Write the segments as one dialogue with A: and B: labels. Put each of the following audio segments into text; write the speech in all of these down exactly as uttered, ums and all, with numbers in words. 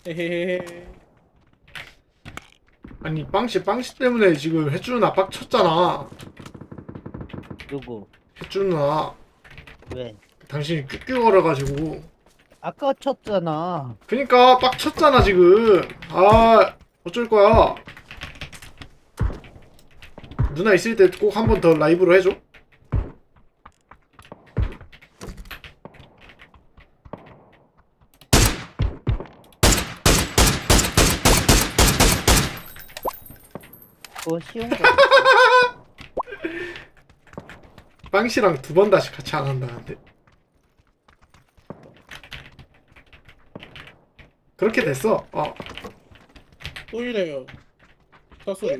A: 헤헤헤.
B: 아니 빵씨 빵씨 때문에 지금 해주는 압박 쳤잖아.
C: 누구?
B: 해주는 아
C: 왜?
B: 당신이 뀨뀨 거려가지고.
C: 아까 쳤잖아.
B: 그니까 빡 쳤잖아 지금. 아 어쩔 거야. 누나 있을 때 꼭 한 번 더 라이브로 해줘.
C: 그거 쉬운 거.
B: 빵씨랑 두 번 다시 같이 안 한다는데. 그렇게 됐어. 어.
A: 또 이래요. 사소리.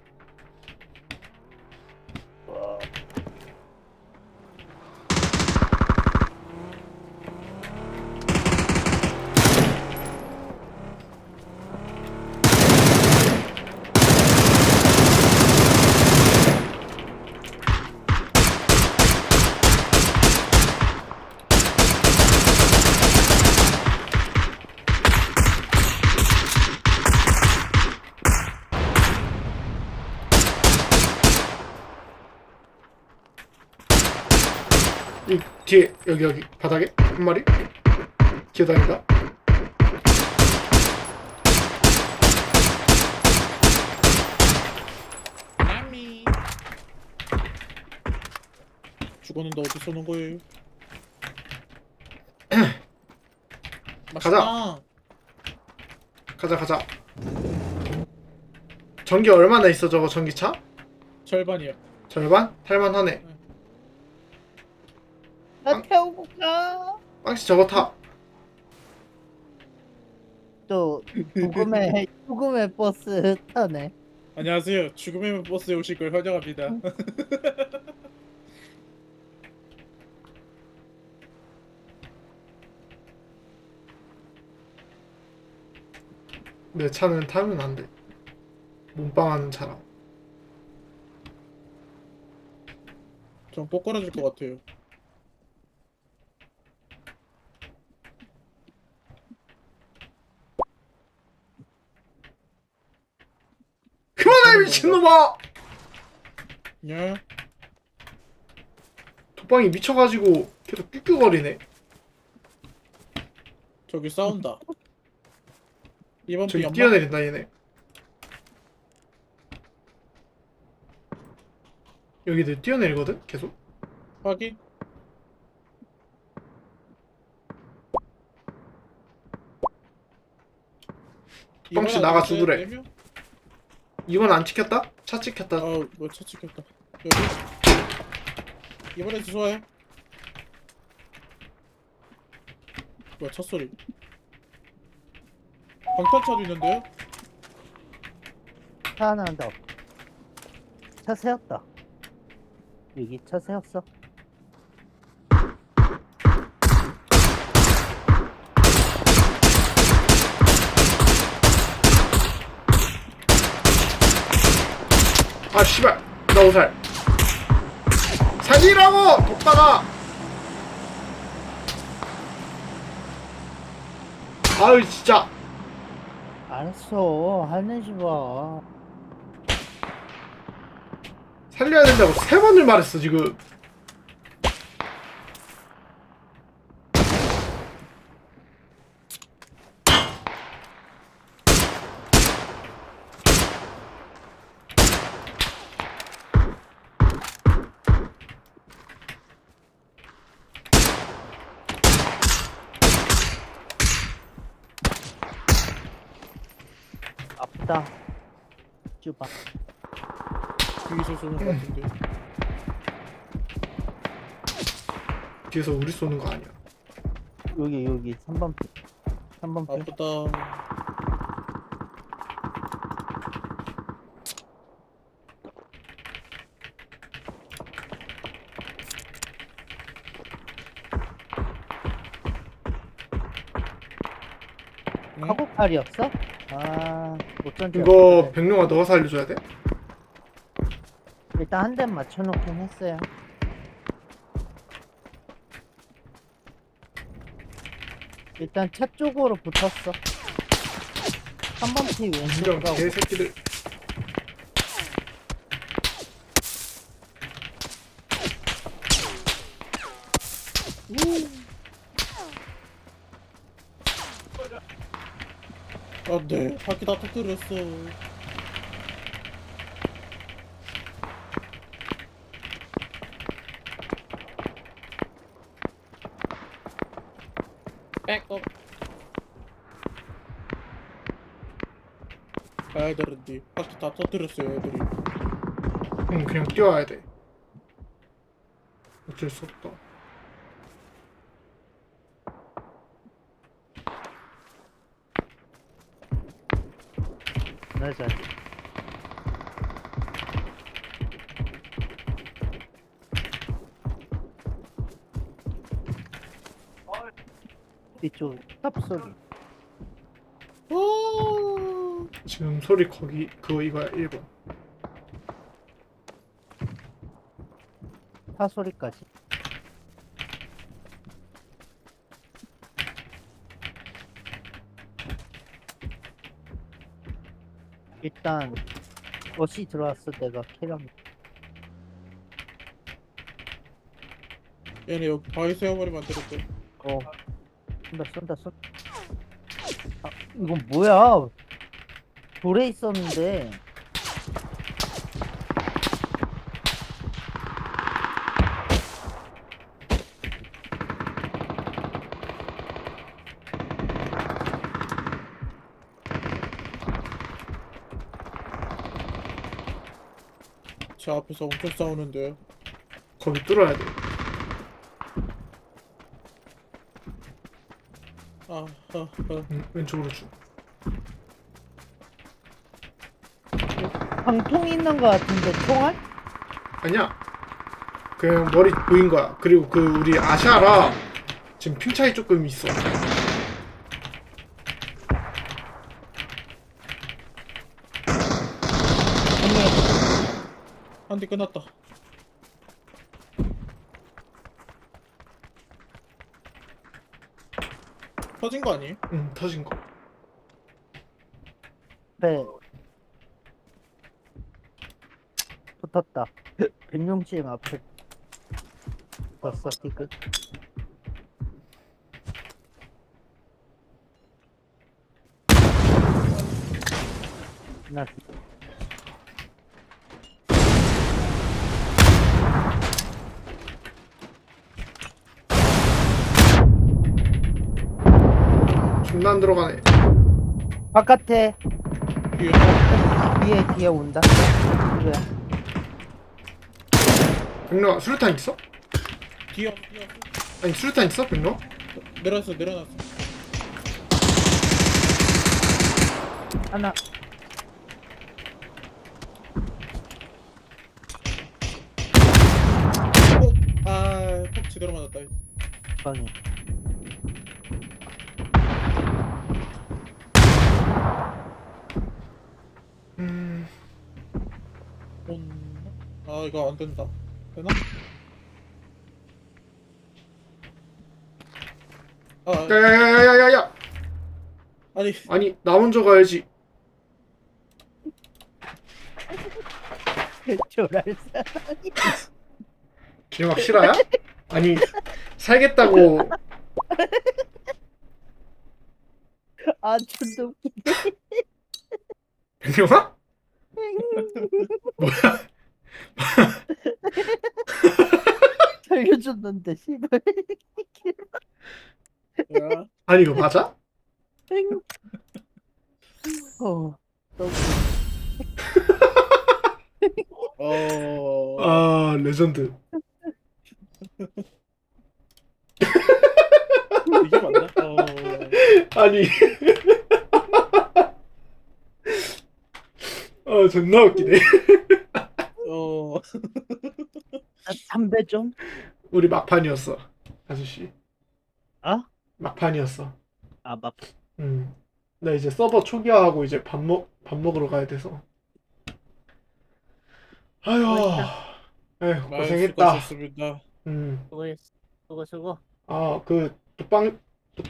B: 이 뒤에 여기 여기 바닥에 한 마리 기어다닌다.
A: 나미. 죽었는데 어디 쏘는 거예요? 맛있다.
B: 가자 가자. 전기 얼마나 있어 저거 전기차?
A: 절반이요.
B: 절반? 탈만하네.
C: 나 태우고 가.
B: 빵씨 저거 타.
C: 또 죽음의 죽음의 버스 타네.
A: 안녕하세요. 죽음의 버스에 오실 걸 환영합니다.
B: 내 차는 타면 안 돼. 몸빵하는 차라.
A: 좀 뽀끄러질 것 같아요.
B: 그만해 미친놈아!
A: 야,
B: 도빵이 미쳐가지고 계속 뀨뀨거리네.
A: 저기 싸운다. 이번 비
B: 저기
A: 연막.
B: 뛰어내린다 얘네. 여기들 뛰어내리거든 계속.
A: 확인.
B: 뻥씨
A: 이번에
B: 나가
A: 안
B: 죽으래.
A: 네 명?
B: 이건 안 찍혔다? 차 찍혔다.
A: 어, 뭐차 찍혔다. 여기. 이번에 주소해. 뭐야, 첫 소리. 방탄차도 있는데요?
C: 차 하나 더. 차 세웠다. 여기 차 세웠어.
B: 아 씨발 나 오살. 살리라고 돕다가. 아유 진짜.
C: 알았어. 하는지 봐.
B: 살려야 된다고 세 번을 말했어 지금.
C: 아프다. 쭈봐.
A: 뒤에서 쏘는 것 같은데.
B: 뒤에서 우리 쏘는 거 아니야.
C: 여기 여기 삼 번 피. 삼 번 피.
A: 아프다. 응?
C: 카고팔이었어? 아, 못 던져.
B: 이거 백룡아 너가 살려줘야 돼?
C: 일단 한 대 맞춰놓긴 했어요. 일단 차 쪽으로 붙었어. 삼 번 피 왼쪽
B: 인정
C: 가고
B: 개새끼들.
A: 안돼 바퀴 다 터뜨렸어. 백업. 가야 되는데 바퀴 다 터뜨렸어요 애들이.
B: 응 그냥 뛰어와야 돼. 어쩔 수 없다.
C: 맞아. 뒤쪽 탑 소리.
A: 오.
B: 지금 소리 거기 그거 이거야 일 번.
C: 타 소리까지. 일단 옷이 들어왔을 때가 캐럼.
A: 얘네 여기 바위 세워버리면 안 되겠대.
C: 어. 쏜다 쏜다 쏜다. 아, 이건 뭐야? 돌에 있었는데.
A: 제 앞에서 엄청 싸우는데.
B: 거기 뚫어야 돼.
A: 아, 아, 아.
B: 응, 왼쪽으로 쭉.
C: 방통 있는 거 같은데 총알?
B: 아니야. 그냥 머리 보인 거야. 그리고 그 우리 아샤라 지금 핑 차이 조금 있어.
A: 한 대 끝났다. 터진 거 아니에요?
B: 응, 터진 거.
C: 배 붙었다. 백룡지엠 앞에 봤어 티그. 나
B: 존나 안 들어가네.
C: 바깥에
A: 뒤에.
C: 뒤에 뒤에 온다. 그래.
B: 백로아 수류탄 있어?
A: 뒤에. 뒤에.
B: 아니 수류탄 있어 백로아?
A: 내려놨어, 내려놨어.
C: 하나
A: 어? 아, 톡 제대로 맞았다.
C: 방에.
B: 음,
A: 온. 아, 이거 안 된다. 되나? 아,
B: 야야야야야야.
A: 아니,
B: 아니 나 먼저 가야지.
C: 조랄사.
B: 기막 실화야? 아니 살겠다고.
C: 아 존나 웃기.
B: 백룡아? 뭐야?
C: 살려줬는데 씨발.
A: 야.
B: 아니 이거 맞아?
C: 어. 너무
A: 어.
B: 아 레전드.
A: 이게 맞나? 어.
B: 아니. 어 존나 웃기네.
A: 어.
C: 아, 담배 좀.
B: 우리 막판이었어 아저씨.
C: 아?
B: 막판이었어.
C: 아 막.
B: 음. 나 이제 서버 초기화하고 이제 밥 먹 밥 먹으러 가야 돼서. 아휴. 에휴
A: 많이
B: 고생했다.
A: 수고하셨습니다.
B: 음.
C: 수고했어. 수고 수고.
B: 아 그 빵